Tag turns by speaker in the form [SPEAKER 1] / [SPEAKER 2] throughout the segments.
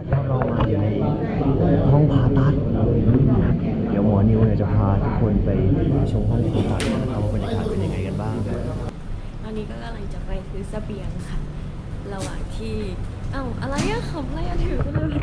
[SPEAKER 1] เรามาอยู่ในห้องผ่าตัดเดี๋ยวหมอนิวเนี่ยจะพาทุกคนไปชมห้องผ่าตัดนะครับว่าบรรยากาศเป็นยังไงกันบ้างนะ
[SPEAKER 2] ตอนนี้ก็กำลังจะไปซื้อเสบียงค่ะระหว่างที่อะไรอะขำอะไรอะถือไปเลย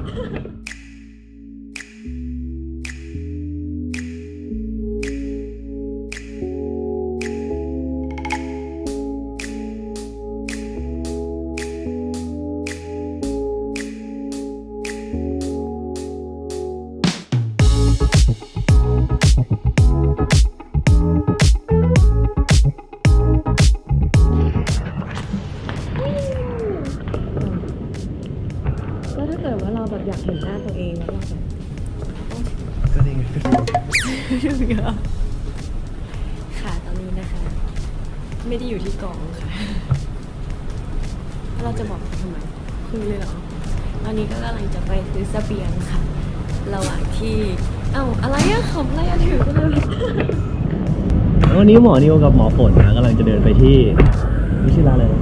[SPEAKER 2] อยากเห็นหน้าตัวเองแล้วแบบ
[SPEAKER 1] ก็นี่ไง
[SPEAKER 2] ค่ะตอนนี้นะคะ ไม่ได้อยู่ที่กองค่ะเราจะบอกทำไมคุยเลยเหรอตอนนี้ก็กำลังจะไปซื้อเสบียงค่ะระหว่างที่อะไรอะขำอะไรอะถือไปเลย
[SPEAKER 1] วันนี้หมอนิวกับหมอฝนนะกำลังจะเดินไปที่ไม่ใช่ร้านอะไร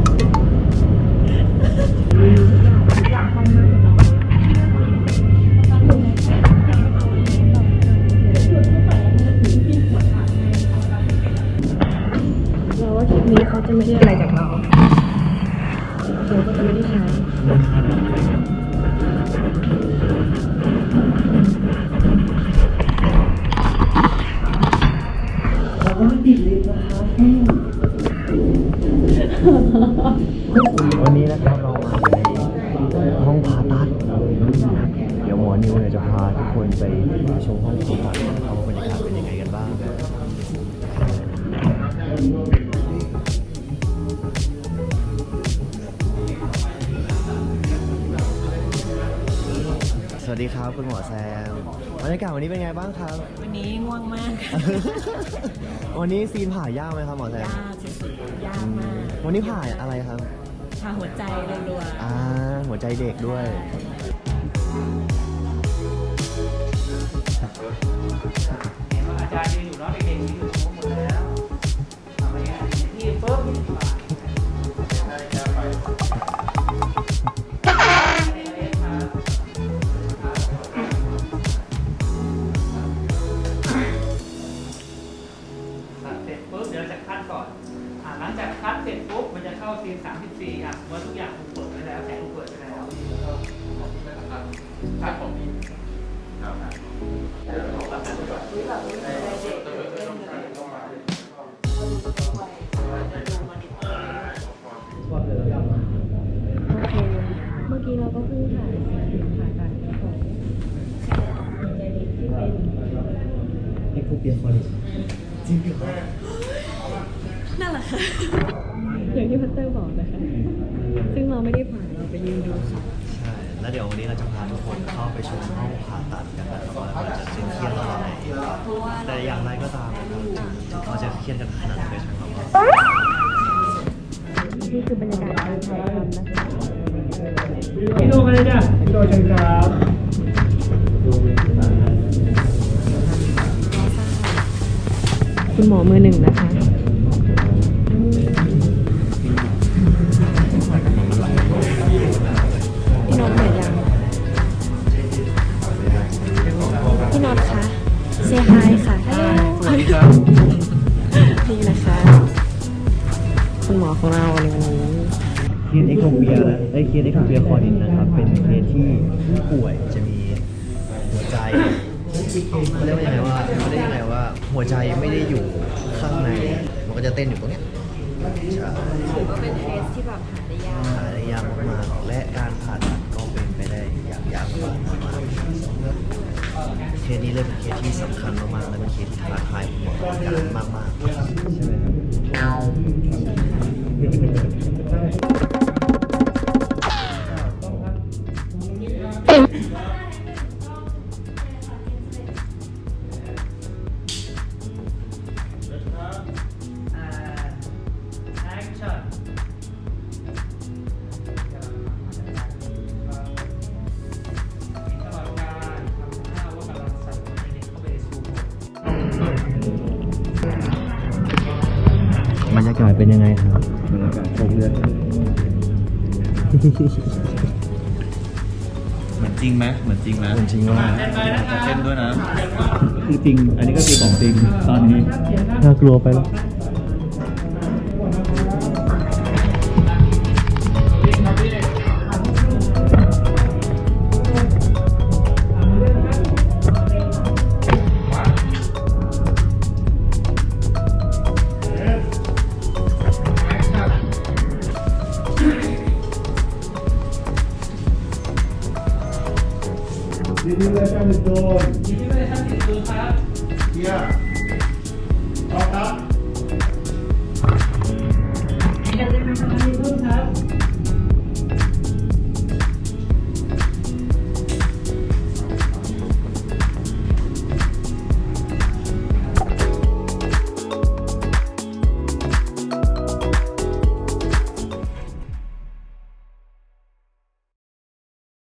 [SPEAKER 2] คลิปนี้เขาจะไม่ได้อะไรจากเราก็จะไม่ได้ใช้
[SPEAKER 1] วันนี้นะครับเรามาในห้องผ่าตัดเดี๋ยวหมอนิวเนี่ยจะพาทุกคนไปชมห้องผ่าตัดนะครับว่าบรรยากาศเป็นยังไงกันบ้างนะสวัสดีครับคุณหมอแซมบรรยากาศวันนี้เป็นไงบ้างครับ
[SPEAKER 2] วันนี้ง่วงมาก
[SPEAKER 1] วันนี้ซีนผ่ายากไหมครับหมอแซม
[SPEAKER 2] ยากสุดๆยากมาก
[SPEAKER 1] วันนี้ผ่าอะไรครับ
[SPEAKER 2] ผ่าหัวใจรัว
[SPEAKER 1] ๆหัวใจเด็กด้วย
[SPEAKER 3] อาจารย์ยืนอยู่เนาะเด็กๆยืนอยู่ตรงหมดแล้วทำอะไรกันที่ปุ๊บเดี๋ยวจะคัดก่อนหลังจากคัดเสร็จปุ๊บมันจะเข้าซีน34เมื่อทุกอย่างถูกเปิดไปแล้วแสงถูกเปิดไปแล้วคัดของพี่
[SPEAKER 2] เมื่อกี้เราก็เพิ่งถ่ายตัดของใจเด็กที่เป็น
[SPEAKER 1] เอ็กโคเปียคอลิจริงเหรอ
[SPEAKER 2] นั่นแหละค่ะอย่างที่พัตเตอร์บอกนะคะซึ่งเราไม่ได้ผ่านเราไปยืนดูค่ะ
[SPEAKER 1] ใช่แล้วเดี๋ยววันนี้เราจะพาทุกคนเข้าไปชมห้องผ่าตัดกันนะครับว่าเราจะเครียดระดับไหนแต่อย่างไรก็ตามเราจะเครียดกันขนาดไหนใช่ไหมครับ
[SPEAKER 2] นี่คือบรรยากาศการถ่ายทำนะคะ
[SPEAKER 3] พี่โดกันเลยจ้ะพี่โดเชิญครับ
[SPEAKER 2] คุณหมอมือหนึ่งนะคะพี่น็อตเหนื่อยยังพี่น็อตคะเซฮายค่ะ
[SPEAKER 3] สวัสดีครับ
[SPEAKER 2] นี่นะคะคุณหมอของเราในวันนี้
[SPEAKER 1] เคสเอ็กโคเปียนะเคสเอ็กโคเปียคอร์ดินนะครับเป็นเคสที่ผู้ป่วยจะมีหัวใจเขาเรียกว่ายังไงว่าหัวใจไม่ได้อยู่ข้างในมันก็จะเต้นอยู่ตรงเนี้ยใช่
[SPEAKER 2] ถือว่าเป็นเคสที่แบบหาได้ย
[SPEAKER 1] ากมากๆและการผ่าตัดก็เป็นไปได้ยากมากเคสนี้เลยเป็นเคสที่สำคัญมากๆและเป็นเคสที่ท้าทายหมอการมากๆใช่ไหมครับบรรยากาศเป็นยังไงครับบรรยากาศครบเลือด
[SPEAKER 4] จริงไหมเหมือนจริงไหม
[SPEAKER 1] เหมือนจริงว่า
[SPEAKER 3] เต้นไปนะครับ
[SPEAKER 4] เต้นด้วยนะ
[SPEAKER 5] คือจริง อันนี้ก็คือของจริงตอนนี้
[SPEAKER 1] น่ากลัวไปแล้ว
[SPEAKER 3] ยินดีเลยครับ
[SPEAKER 6] Yeah.